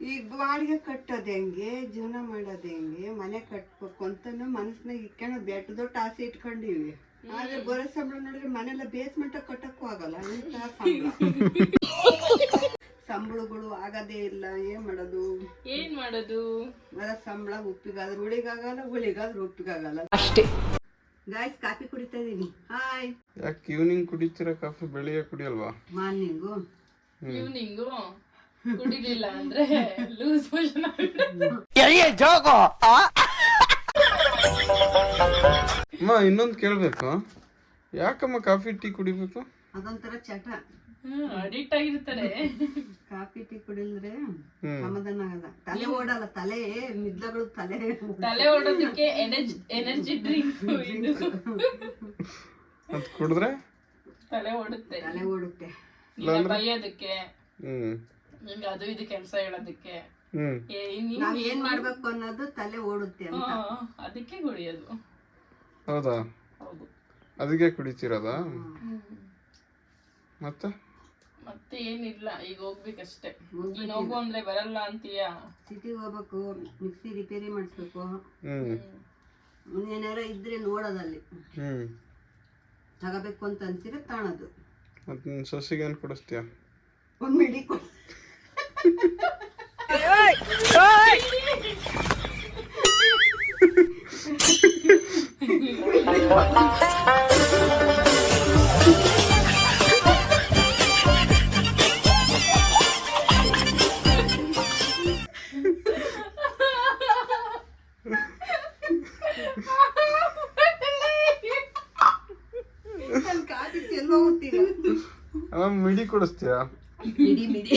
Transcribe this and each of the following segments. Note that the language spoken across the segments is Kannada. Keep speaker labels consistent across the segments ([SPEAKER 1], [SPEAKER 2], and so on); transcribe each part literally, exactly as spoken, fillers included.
[SPEAKER 1] ಈಗ ಬಾಡಿಗೆ ಕಟ್ಟೋದು ಹೆಂಗೆ, ಜೀವನ ಮಾಡೋದು ಹೆಂಗೆ, ಮನೆ ಕಟ್ಬೇಕು ಅಂತಾನು ಮನಸ್ನಾಗ ಇಟ್ಕೊಂಡು ಬೆಟ್ಟ ದೊಡ್ಡ ಆಸೆ ಇಟ್ಕೊಂಡಿವಿ. ಆದ್ರೆ ಬರೋ ಸಂಬಳ ನೋಡಿದ್ರೆ ಮನೆಲ್ಲ ಬೇಸ್ಮೆಂಟ್ ಕಟ್ಟಕ್ಕೂ ಆಗಲ್ಲ. ಇಂಥ ಸಂಬಳ ಸಂಬಳಗಳು ಆಗದೇ ಇಲ್ಲ. ಏನ್ ಮಾಡೋದು
[SPEAKER 2] ಏನ್ ಮಾಡೋದು?
[SPEAKER 1] ಬರೋ ಸಂಬಳ ಉಪ್ಪಿಗಾದ್ರೆ ಹುಳಿಗಾಗಲ್ಲ, ಹುಳಿಗಾದ್ರೆ ಉಪ್ಪಿಗಾಗಲ್ಲ
[SPEAKER 2] ಅಷ್ಟೇ.
[SPEAKER 1] ಗಾಯ್ಸ್ ಕಾಫಿ ಕುಡಿತಾ ಇದೀನಿ. ಹಾಯ್.
[SPEAKER 3] ಯಾಕೆ ಈವ್ನಿಂಗ್ ಕುಡಿತೀರಾ ಕಾಫಿ, ಬೆಳಿಗ್ಗೆ ಕುಡಿಯಲ್ವಾ?
[SPEAKER 1] ಮಾರ್ನಿಂಗು
[SPEAKER 2] ಈವ್ನಿಂಗು ಕುಡಿಲಿಲ್ಲ ಅಂದ್ರೆ ಲೂಸ್ ಮೋಷನ್
[SPEAKER 3] ಅಮ್ಮ ಇನ್ನೊಂದು ಕೇಳ್ಬೇಕು, ಯಾಕಮ್ಮ ಕಾಫಿ ಟೀ ಕುಡಿಬೇಕು?
[SPEAKER 1] ಅದೊಂಥರ ಚಟ.
[SPEAKER 2] ಅಡಿಕ್ಟ್ ಆಗಿರ್ತಾರೆ.
[SPEAKER 1] ಕಾಫಿ ಟೀ ಕುಡಿದ್ರೆ ಸಮಾಧಾನ ಆಗಲ್ಲ. ತಲೆ ಓಡಲ್ಲ, ತಲೆ ನಿದ್ಲಗಳು ತಲೆ
[SPEAKER 2] ತಲೆ ಓಡೋದಕ್ಕೆ ಎನರ್ಜಿ ಎನರ್ಜಿ ಡ್ರಿಂಕ್ ಇದು.
[SPEAKER 3] ಅದ್ ಕುಡಿದ್ರೆ
[SPEAKER 2] ತಲೆ ಓಡುತ್ತೆ.
[SPEAKER 1] ತಲೆ ಓಡುತ್ತೆ.
[SPEAKER 2] ಬೈಯೋದಕ್ಕೆ,
[SPEAKER 3] ಹ್ಮ್
[SPEAKER 2] ನಿಂಗೆ ಅದು ಇದು ಕೆಲಸ ಹೇಳೋದಕ್ಕೆ,
[SPEAKER 3] ಹ್ಮ್
[SPEAKER 1] ನಾವ್ ಏನ್ ಮಾಡ್ಬೇಕು ಅನ್ನೋದು ತಲೆ ಓಡುತ್ತೆ ಅಂತ.
[SPEAKER 2] ಅದಕ್ಕೆ ಕುಡಿಯೋದು.
[SPEAKER 3] ಹೌದಾ?
[SPEAKER 2] ಹೌದು.
[SPEAKER 3] ಅದಕ್ಕೆ ಕುಡಿತೀರದ? ಮತ್ತೆ
[SPEAKER 2] ಮತ್ತೆ ಏನಿಲ್ಲ, ಈಗ ಹೋಗ್ಬೇಕಷ್ಟೇ. ನೀನ್ ಹೋಗು ಅಂದ್ರೆ ಬರಲ್ಲ ಅಂತೀಯ.
[SPEAKER 1] ಸಿಟಿಗೆ ಹೋಗ್ಬೇಕು, ಮಿಕ್ಸಿ ರಿಪೇರಿ ಮಾಡಿಸ್ಬೇಕು.
[SPEAKER 3] ಹ್ಮ್
[SPEAKER 1] ಏನಾರ ಇದ್ರೆ ನೋಡೋದಲ್ಲಿ
[SPEAKER 3] ಹ್ಮ್
[SPEAKER 1] ತಗೋಬೇಕು ಅಂತ ಅನ್ಸಿದ್ರೆ ತಾಣದು.
[SPEAKER 3] ಮತ್ ನಿನ್ ಸೊಸಿಗೆ ಏನ್ ಕೊಡಿಸ್ತೀಯ?
[SPEAKER 1] ಒಂದ್ ಮಿಡಿ ಕೊಡ್.
[SPEAKER 3] ಅವ ಮಿಡಿ ಕೊಡಿಸ್ತೀಯ?
[SPEAKER 1] ಮಿಡಿ ಮಿಡಿ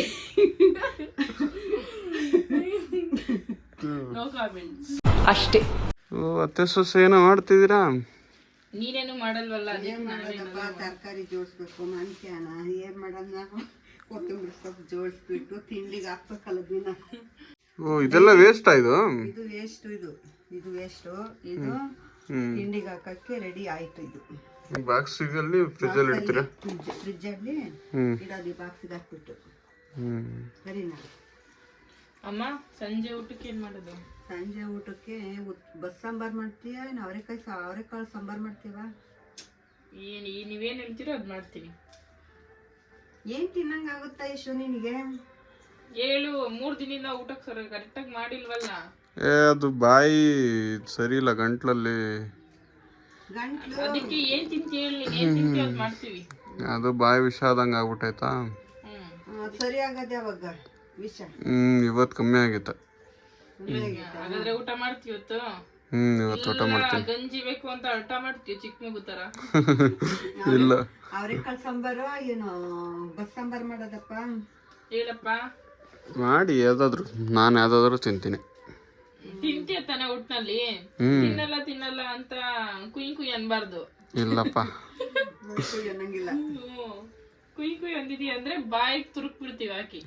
[SPEAKER 2] ಅಷ್ಟೇ.
[SPEAKER 3] ಅತ್ತೆ ಸೊಸೆ ಏನೋ ಮಾಡ್ತಿದ್ದೀರಾ?
[SPEAKER 2] ನೀನೇನು ಮಾಡಲ್ವಲ್ಲ.
[SPEAKER 1] ಏನ್ ಮಾಡೋದಪ್ಪ, ತರಕಾರಿ ಜೋಡಿಸ್ಬೇಕು. ಮನ್ಸ್ಯಾನ ಏನ್ ಮಾಡೋಣ, ಕೊತ್ತಂಬರಿ ಸೊಪ್ಪು ಜೋಡಿಸ್ಬಿಟ್ಟು ತಿಂಡಿಗೆ ಹಾಕ್ಬೇಕಲ್ಲ ದಿನ.
[SPEAKER 3] ಓ ಇದೆಲ್ಲ ವೇಸ್ಟ್ ಆಯ್ತು.
[SPEAKER 1] ಇದು ವೇಸ್ಟ್, ಇದು ಇದು ವೇಸ್ಟ್. ಇದು ತಿಂಡಿಗೆ ಹಾಕಕ್ಕೆ ರೆಡಿ ಆಯ್ತು. ಇದು
[SPEAKER 3] ಬಾಕ್ಸ್ ಅಲ್ಲಿ ಫ್ರಿಜ್ ಅಲ್ಲಿ ಇಡ್ತೀರಾ?
[SPEAKER 1] ಫ್ರಿಜ್ ಅಲ್ಲಿ ಇಡೋದು, ಬಾಕ್ಸಿಗೆ ಹಾಕ್ಬಿಟ್ಟು. ಸರಿನಾ
[SPEAKER 2] ಅಮ್ಮ? ಸಂಜೆ ಊಟಕ್ಕೆ ಏನ್ ಮಾಡೋದು?
[SPEAKER 1] ಸಂಜೆ ಊಟಕ್ಕೆ ಬಸ್ ಸಾಂಬಾರ್ ಮಾಡ್ತೀಯ, ಏನು ಅವರೆಕಾಯಿ ಅವರೆಕಾಳು ಸಾಂಬಾರ್ ಮಾಡ್ತೀವ?
[SPEAKER 2] ಏನ್ ನೀವೇನ್ ಹೇಳ್ತೀರೋ ಅದ್ ಮಾಡ್ತೀನಿ.
[SPEAKER 1] ಏನ್ ತಿನ್ನಂಗ ಆಗುತ್ತಾ ಯಶು ನಿನಗೆ?
[SPEAKER 2] ಹೇಳು, ಮೂರ್ ದಿನದಿಂದ ಊಟಕ್ಕೆ ಸರಿ ಕರೆಕ್ಟಾಗಿ ಮಾಡಿಲ್ವಲ್ಲ.
[SPEAKER 3] ಏ ಅದು ಬಾಯಿ ಸರಿ ಇಲ್ಲ, ಗಂಟ್ಲಲ್ಲಿ
[SPEAKER 1] ಗಂಟ್ಲು.
[SPEAKER 2] ಅದಕ್ಕೆ ಏನ್ ತಿಂತಿ ಹೇಳಿ, ನೀನ್ ಏನ್ ತಿಂತಿ ಅದ್ ಮಾಡ್ತೀವಿ.
[SPEAKER 3] ಅದು ಬಾಯಿ ವಿಷ ಆದಂಗ ಆಗ್ಬಿಟ್ಟೈತಾ?
[SPEAKER 2] ಹ್ಮ್
[SPEAKER 1] ಸರಿ ಆಗದೆ ಅವಾಗ ವಿಷ.
[SPEAKER 3] ಹ್ಮ್ ಇವತ್ ಕಮ್ಮಿ ಆಗಿತ್ತ.
[SPEAKER 2] ಹಾಗಾದ್ರೆ ಊಟ ಮಾಡ್ತೀವಿ ಇವತ್ತು.
[SPEAKER 3] ಹ್ಮ್ ಇವತ್ತು ಊಟ ಮಾಡ್ತೀನಿ.
[SPEAKER 2] ಗಂಜಿ ಬೇಕು ಅಂತ ಊಟ ಮಾಡ್ತೀವಿ ಚಿಕ್ಕ ಮಗು ತರ.
[SPEAKER 3] ಇಲ್ಲ
[SPEAKER 1] ಅವರೆಕಾಳು ಸಾಂಬಾರು ಏನು ಬಸ್ ಸಾಂಬಾರ್ ಮಾಡೋದಪ್ಪ?
[SPEAKER 2] ಹೇಳಪ್ಪ.
[SPEAKER 3] ಮಾಡಿ ಯಾವ್ದಾದ್ರು, ನಾನು ಯಾವ್ದಾದ್ರು ತಿಂತೀನಿ.
[SPEAKER 2] ತಿಂತೀಯ ತಾನೆ ಊಟ್ನಲ್ಲಿ? ತಿನ್ನಲ್ಲ ತಿನ್ನಲ್ಲ ಅಂತ ಕುಯ್ ಕುಯ್ ಅನ್ಬಾರ್ದು.
[SPEAKER 3] ಇಲ್ಲಪ್ಪ
[SPEAKER 1] ಅನ್ನಂಗಿಲ್ಲ.
[SPEAKER 2] ಕುಯ್ ಕುಯ್ ಅಂದಿದೀಯ ಅಂದ್ರೆ ಬಾಯಿಗೆ ತುರುಕ್ ಬಿಡ್ತೀವಿ ಹಾಕಿ.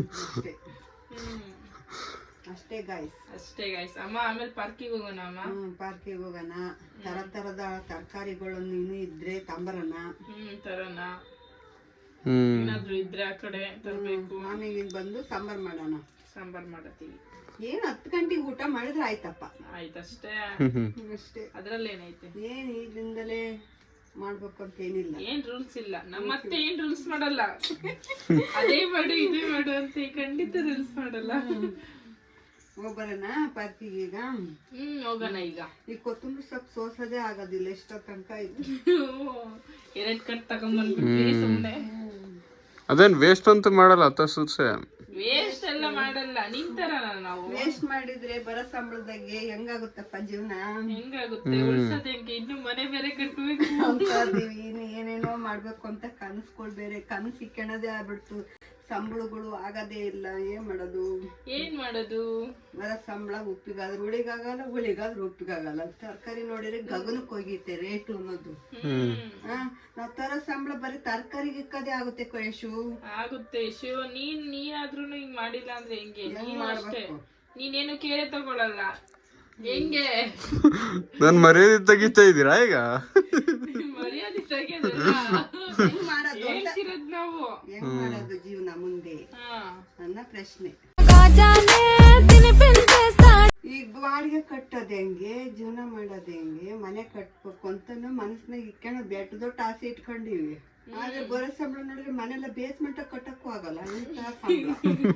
[SPEAKER 1] ಅಷ್ಟೇ ಗಾಯ್ಸ್,
[SPEAKER 2] ಅಷ್ಟೇ ಗಾಯ್ಸ್. ಅಮ್ಮ ಆಮೇಲೆ ಪಾರ್ಕಿಗೆ ಹೋಗೋಣ ಅಮ್ಮ.
[SPEAKER 1] ಹ್ಮ್ ಪಾರ್ಕಿಗೆ ಹೋಗೋಣ. ತರ ತರದ ತರಕಾರಿಗಳು ನೀನು ಇದ್ರೆ ತಂಬರನ.
[SPEAKER 2] ಹ್ಮ್ ತರೋಣ.
[SPEAKER 3] ಹ್ಮ್
[SPEAKER 2] ಏನಾದ್ರು ಇದ್ರೆ ಆ ಕಡೆ ತರ್ಬೇಕು.
[SPEAKER 1] ಆಮೇಲೆ ಬಂದು ಸಾಂಬಾರ್ ಮಾಡೋಣ.
[SPEAKER 2] ಸಾಂಬಾರ್ ಮಾಡತ್ತೀವಿ.
[SPEAKER 1] ಏನ್ ಹತ್ತು ಗಂಟೆಗೆ ಊಟ ಮಾಡಿದ್ರೆ ಆಯ್ತಪ್ಪ.
[SPEAKER 2] ಆಯ್ತಷ್ಟೇ.
[SPEAKER 1] ಅಷ್ಟೇ.
[SPEAKER 2] ಅದ್ರಲ್ಲಿ ಏನೈತೆ?
[SPEAKER 1] ಏನ್ ಈಗಿಂದಲೇ ಮಾಡ್ಬೇಕು ಅಂತ ಏನಿಲ್ಲ.
[SPEAKER 2] ಏನ್ ರೂಲ್ಸ್ ಇಲ್ಲ. ನಮ್ಮತ್ತೆ ಏನ್ ರೂಲ್ಸ್ ಮಾಡಲ್ಲ. ಅದೇ ಮಾಡು ಇದೇ ಮಾಡು ಅಂತ ಖಂಡಿತ ರೂಲ್ಸ್ ಮಾಡಲ್ಲ.
[SPEAKER 1] ಹೋಗ್ಬರೋಣ ಪಾರ್ಕಿಗೆ ಈಗ?
[SPEAKER 2] ಹ್ಮ್ ಹೋಗೋಣ. ಈಗ
[SPEAKER 1] ಈ ಕೊತ್ತಂಬರಿ ಸೊಪ್ಪು ಸೋಸೋದೇ ಆಗೋದಿಲ್ಲ, ಎಷ್ಟೋ ತನಕ ಇದು.
[SPEAKER 2] ಎರಡ್ ಕಟ್ ತಗೊಂಡ್ಬಂದ್ಬಿಟ್ವಿ ಸುಮ್ನೆ.
[SPEAKER 3] ಅದೇನ್ ವೇಸ್ಟ್ ಅಂತ ಮಾಡಲ್ಲ ಅತ್ತ ಸೊಸೆ?
[SPEAKER 2] ವೇಸ್ಟ್ ಎಲ್ಲ ಮಾಡಲ್ಲ. ನಿಂತರ ನಾವು
[SPEAKER 1] ವೇಸ್ಟ್ ಮಾಡಿದ್ರೆ ಬರೋ ಸಂಬಳದಾಗೆ ಹೆಂಗಾಗುತ್ತಪ್ಪ ಜೀವನ?
[SPEAKER 2] ಹೆಂಗಾಗುತ್ತೆ? ಉಳ್ಸೋದ್ ಹೆಂಗೆ? ಇನ್ನು ಮನೆ ಬೇರೆ ಕಟ್ಬೇಕು
[SPEAKER 1] ಅಂತೀವಿ. ಇನ್ನು ಏನೇನೋ ಮಾಡ್ಬೇಕು ಅಂತ ಕನಸುಗಳು ಬೇರೆ ಕನಸು ಇಕ್ಕೊಳ್ಳೋದೇ ಆಗ್ಬಿಡ್ತು. ಸಂಬಳಗಳು ಆಗದೇ ಇಲ್ಲ. ಏನ್ ಮಾಡೋದು? ಏನ್ ಮಾಡೋದು? ಬರೋ ಸಂಬಳ ಉಪ್ಪಿಗಾದ್ರೆ ಹುಳಿಗಾಗಲ್ಲ, ಹುಳಿಗಾದ್ರೆ ಉಪ್ಪಿಗಾಗಲ್ಲ. ತರಕಾರಿ ನೋಡಿದ್ರೆ ಗಗನಕ್ಕೆ ಹೋಗಿತ್ತೆ ರೇಟು ಅನ್ನೋದು. ಹ ನಾವ್ ತರೋ ಸಂಬಳ ಬರೀ ತರಕಾರಿಗೆ ಇಕ್ಕದೇ ಆಗುತ್ತೆ ಯಶು.
[SPEAKER 2] ಆಗುತ್ತೆ ಯಶು. ನೀನ್ ನೀನಾದ್ರೂ ಹಿಂಗ್ ಮಾಡಿಲ್ಲ ಅಂದ್ರೆ ಹೆಂಗೆ? ನೀನು ಅಷ್ಟೇ, ನೀನೇನು ಕೇರೆ ತಗೊಳಲ್ಲ. ಹೆಂಗೆ
[SPEAKER 3] ನನ್ ಮರ್ಯಾದೆ ತೆಗಿತಾ ಇದೀರಾ ಈಗ?
[SPEAKER 2] ಮರ್ಯಾದೆ ತೆಗೆಯೋದಲ್ಲ, ಹೇಳ್ತಿರೋದ್ ನಾವು.
[SPEAKER 1] ಹೆಂಗ್ ಮಾಡೋದು ಜೀವನ ಮುಂದೆ ನನ್ನ ಪ್ರಶ್ನೆ. ಈಗ ಬಾಡಿಗೆ ಕಟ್ಟೋದು ಹೆಂಗೆ, ಜೀವನ ಮಾಡೋದು ಹೆಂಗೆ, ಮನೆ ಕಟ್ಬೇಕು ಅಂತಾನು ಮನಸ್ನಾಗ ಇಟ್ಕೊಂಡು ಬೆಟ್ಟ ದೊಡ್ಡ ಆಸೆ ಇಟ್ಕೊಂಡಿವಿ. ಆದ್ರೆ ಬರೋ ಸಂಬಳ ನೋಡಿದ್ರೆ ಮನೆಲ್ಲ ಬೇಸ್ಮೆಂಟ್ ಕಟ್ಟಕ್ಕೂ ಆಗಲ್ಲ. ಇಂಥ ಸಂಬಳ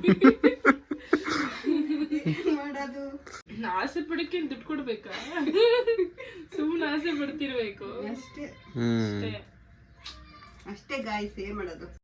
[SPEAKER 1] ಏನ್ ಮಾಡೋದು?
[SPEAKER 2] ಆಸೆ ಪಡಕ್ಕೆ ದುಡ್ಡು ಕೊಡ್ಬೇಕಾ? ಸುಮ್ಮನೆ ಆಸೆ ಪಡ್ತಿರ್ಬೇಕು
[SPEAKER 1] ಅಷ್ಟೇ
[SPEAKER 3] ಹ್ಮ್
[SPEAKER 2] ಅಷ್ಟೇ.
[SPEAKER 1] ಅಷ್ಟೇ ಗಾಯ್ಸ್, ಏನ್ ಮಾಡೋದು?